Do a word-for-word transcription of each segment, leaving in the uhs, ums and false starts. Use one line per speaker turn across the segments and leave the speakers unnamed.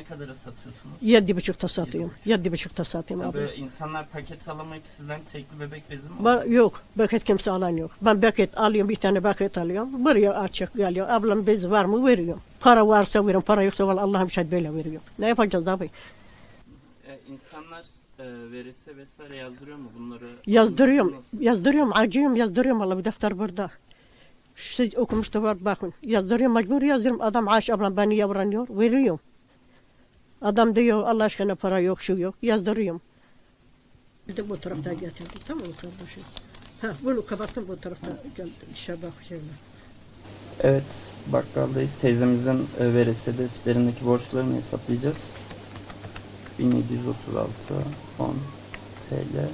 ne kadara satıyorsunuz?
Yedi buçukta satıyorum. Yedi buçukta satıyorum abi.
Böyle insanlar paket alamayıp sizden tekli bebek bezi mi
Ben,
alıyor?
yok, paket kimse alan yok. Ben paket alıyorum, bir tane paket alıyorum. Buraya açık geliyor. Ablam bez var mı veriyorum. Para varsa veriyorum, para yoksa vallahi Allah'ım şahit böyle veriyor. Ne yapacağız abi?
E, insanlar e, verese vesaire yazdırıyor mu bunları?
Yazdırıyorum,
Nasıl?
yazdırıyorum, acıyorum, yazdırıyorum. Vallahi bir defter burada. Siz okumuş da var bakın. Yazdırıyorum, mecbur yazdırıyorum. Adam Ayşe ablam beni yavranıyor, veriyorum. Adam diyor Allah aşkına para yok, şu yok. Yazdırıyorum. Bir de bu tarafta getirdim, tamam mı kardeşim? Ha, bunu kapattım, bu tarafta geldim. İşe bak şöyle.
Evet, bakkaldayız. Teyzemizin e, verese defterindeki borçlarını hesaplayacağız. bin yedi yüz otuz altı on T L.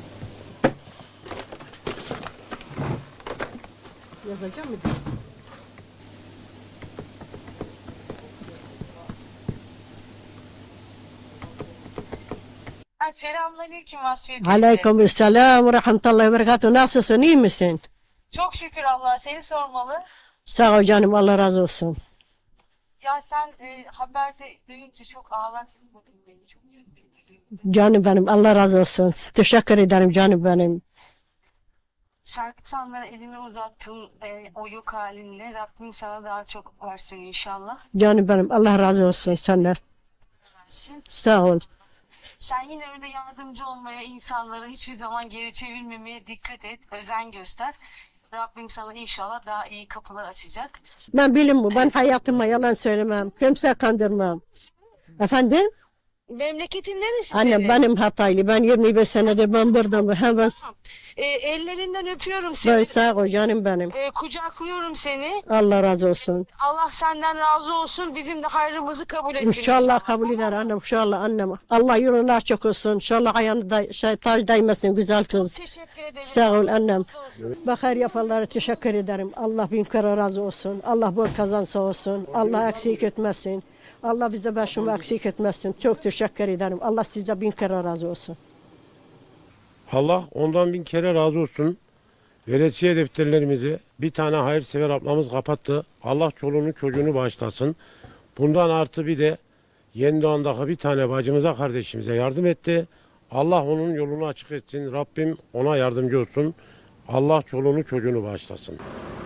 Yazacağım mı?
Selamünaleyküm Vasfiye teyze.
Aleyküm selam ve rahmetullahi ve berekatuhu. Nasılsın, iyi misin?
Çok şükür Allah'a seni sormalı.
Sağ ol canım, Allah razı olsun.
Ya sen e, haberde duyunca çok ağlattın bugün beni. Çok üzüldüm.
Canım benim, Allah razı olsun. Teşekkür ederim canım benim.
Serkanlara elimi uzattın e, o yok halinle. Rabbim sana daha çok versin inşallah.
Canım benim, Allah razı olsun senden.
Versin.
Sağ ol.
Sen yine öyle yardımcı olmaya, insanları hiçbir zaman geri çevirmemeye dikkat et. Özen göster. Rabbim sana inşallah daha iyi kapılar açacak.
Ben bilim bu, ben hayatıma yalan söylemem. Kimse kandırmam. Efendim?
Memleketin neresi
Annem
senin?
benim Hataylı. Ben yirmi beş senedir ben buradayım. Hemen
E, ellerinden öpüyorum seni.
ben sağ ol canım benim.
E, kucaklıyorum seni.
Allah razı olsun.
Allah senden razı olsun. Bizim de hayrımızı kabul etsin.
İnşallah kabul eder annem, inşallah annem. Allah yolunu açık olsun. İnşallah ayağını da, şey, tac değmesin güzel kız.
Teşekkür ederim.
Sağ ol annem.
Razı olsun.
Bakar yapanlara teşekkür ederim. Allah bin kere razı olsun. Allah bol kazansa olsun. Allah eksik etmesin. Allah bize başımı eksik etmesin. Çok teşekkür ederim. Allah size bin kere razı olsun.
Allah ondan bin kere razı olsun. Veresiye defterlerimizi bir tane hayırsever ablamız kapattı. Allah çoluğunu çocuğunu bağışlasın. Bundan artı bir de Yeni Doğan'daki bir tane bacımıza kardeşimize yardım etti. Allah onun yolunu açık etsin. Rabbim ona yardımcı olsun. Allah çoluğunu çocuğunu bağışlasın.